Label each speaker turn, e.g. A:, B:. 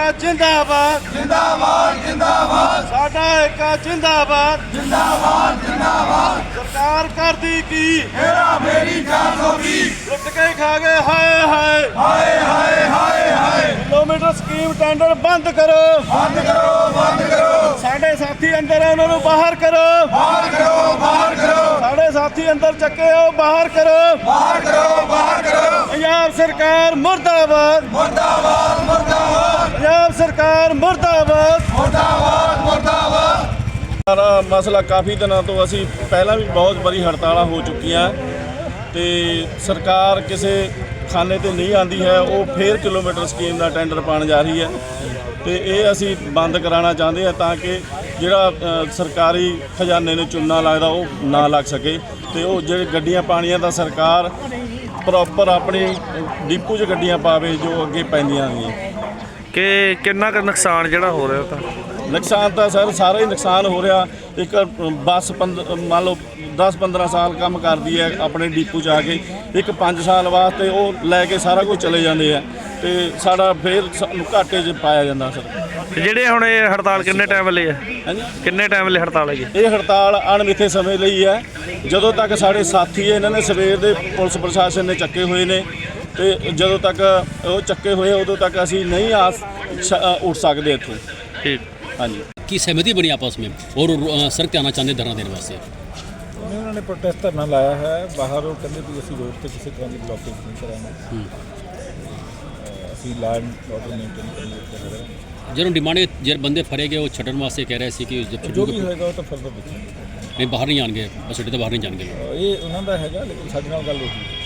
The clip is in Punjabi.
A: जिंदाबाद
B: जिंदाबाद जिंदाबाद
A: साडा एका जिंदाबाद
B: जिंदाबाद जिंदाबाद
A: सरकार कर दी की
B: हेरा मेरी 420
A: लुट के खा गए हाय हाय
B: हाय हाय हाय हाय
A: किलोमीटर स्कीम टेंडर बंद करो
B: बंद करो बंद करो
A: साडे साथी अंदर है उन्होंने बाहर करो
B: बाहर करो बाहर करो
A: साडे साथी अंदर चके हो बाहर करो
B: बाहर करो बाहर करो
A: पंजाब सरकार मुर्दाबाद
B: मुर्दाबाद मुर्दाबाद
A: पंजाब सरकार मुर्दाबाद
B: मुर्दाबाद मुर्दाबाद
A: ਸਾਰਾ ਮਸਲਾ ਕਾਫੀ ਦਿਨਾਂ ਤੋਂ ਅਸੀਂ ਪਹਿਲਾਂ ਵੀ ਬਹੁਤ ਵਾਰੀ ਹੜਤਾਲਾਂ ਹੋ ਚੁੱਕੀਆਂ ਤੇ ਸਰਕਾਰ ਕਿਸੇ ਖਾਨੇ ਤੇ ਨਹੀਂ ਆਂਦੀ ਹੈ ਉਹ ਫੇਰ ਕਿਲੋਮੀਟਰ ਸਕੀਮ ਦਾ ਟੈਂਡਰ ਪਾਣ ਜਾ ਰਹੀ ਹੈ ਤੇ ਇਹ ਅਸੀਂ ਬੰਦ ਕਰਾਉਣਾ ਚਾਹੁੰਦੇ ਆ ਤਾਂ ਕਿ ਜਿਹੜਾ ਸਰਕਾਰੀ ਖਜ਼ਾਨੇ ਨੂੰ ਚੂਨਾ ਲੱਗਦਾ ਉਹ ਨਾ ਲੱਗ ਸਕੇ ਤੇ ਉਹ ਜਿਹੜੇ ਗੱਡੀਆਂ ਪਾਣੀਆਂ ਦਾ ਸਰਕਾਰ ਪ੍ਰੋਪਰ ਆਪਣੀ ਡਿਪੂ 'ਚ ਗੱਡੀਆਂ ਪਾਵੇ ਜੋ ਅੱਗੇ ਪੈਂਦੀਆਂ ਨੇ
C: ਕਿ ਕਿੰਨਾ ਕੁ ਨੁਕਸਾਨ ਜਿਹੜਾ ਹੋ ਰਿਹਾ ਤਾਂ
A: ਨੁਕਸਾਨ ਤਾਂ ਸਰ ਸਾਰਾ ਹੀ ਨੁਕਸਾਨ ਹੋ ਰਿਹਾ ਇੱਕ ਬੱਸ ਮੰਨ ਲਓ 10-15 ਸਾਲ ਕੰਮ ਕਰਦੀ ਹੈ ਆਪਣੇ ਡਿਪੂ 'ਚ ਆ ਕੇ ਇੱਕ 5 ਸਾਲ ਵਾਸਤੇ ਉਹ ਲੈ ਕੇ ਸਾਰਾ ਕੁਝ ਚਲੇ ਜਾਂਦੇ ਆ ਤੇ ਸਾਡਾ ਫੇਰ ਸਾਨੂੰ ਘਾਟੇ 'ਚ ਪਾਇਆ ਜਾਂਦਾ ਸਰ
C: ਤੇ ਜਿਹੜੇ ਹੁਣ ਇਹ ਹੜਤਾਲ ਕਿੰਨੇ ਟਾਈਮ ਲਈ ਹੈ
A: ਹਾਂਜੀ
C: ਕਿੰਨੇ ਟਾਈਮ ਲਈ ਹੜਤਾਲ ਹੈਗੀ
A: ਇਹ ਹੜਤਾਲ ਅਣਮਿੱਥੇ ਸਮੇਂ ਲਈ ਹੈ ਜਦੋਂ ਤੱਕ ਸਾਡੇ ਸਾਥੀ ਇਹਨਾਂ ਨੇ ਸਵੇਰ ਦੇ ਪੁਲਿਸ ਪ੍ਰਸ਼ਾਸਨ ਨੇ ਚੱਕੇ ਹੋਏ ਨੇ ਤੇ ਜਦੋਂ ਤੱਕ ਉਹ ਚੱਕੇ ਹੋਏ ਉਦੋਂ ਤੱਕ ਅਸੀਂ ਨਹੀਂ ਉੱਠ ਸਕਦੇ ਇੱਥੋਂ
C: ਠੀਕ
A: हाँ जी
D: की सहमति बनी आपस में और सड़क पे आना चाहते धरना देने वास्ते
E: उन्होंने प्रोटेस्ट धरना लाया है बाहर वो कहते भी ਅਸੀਂ रोड ਤੇ ਕਿਸੇ ਤਰ੍ਹਾਂ ਦੀ ਬਲੌਕੇਜ ਨਹੀਂ ਕਰਾਂਗੇ ਅਸੀਂ ਲਾਈਨ ਆਰਡਰ ਮੇਨਟੇਨ ਕਰਾਂਗੇ
D: ਜਦੋਂ ਡਿਮਾਂਡ ਜੇ ਬੰਦੇ ਫੜੇ ਗਏ ਉਹ ਛੱਡਣ ਵਾਸਤੇ ਕਹਿ ਰਹੇ ਸੀ ਕਿ ਜਦ
E: ਜੋ ਵੀ ਹੋਏਗਾ ਉਹ ਤਾਂ ਫਰਦਰ ਦੇਖਾਂਗੇ
D: ਨਹੀਂ ਬਾਹਰ ਨਹੀਂ ਆਣਗੇ ਬਸ ਅੱਡੇ ਤੋਂ ਬਾਹਰ ਨਹੀਂ ਜਾਣਗੇ
E: ਇਹ ਉਹਨਾਂ ਦਾ ਹੈਗਾ ਲੇਕਿਨ ਸਾਡੇ ਨਾਲ ਗੱਲ ਹੋਈ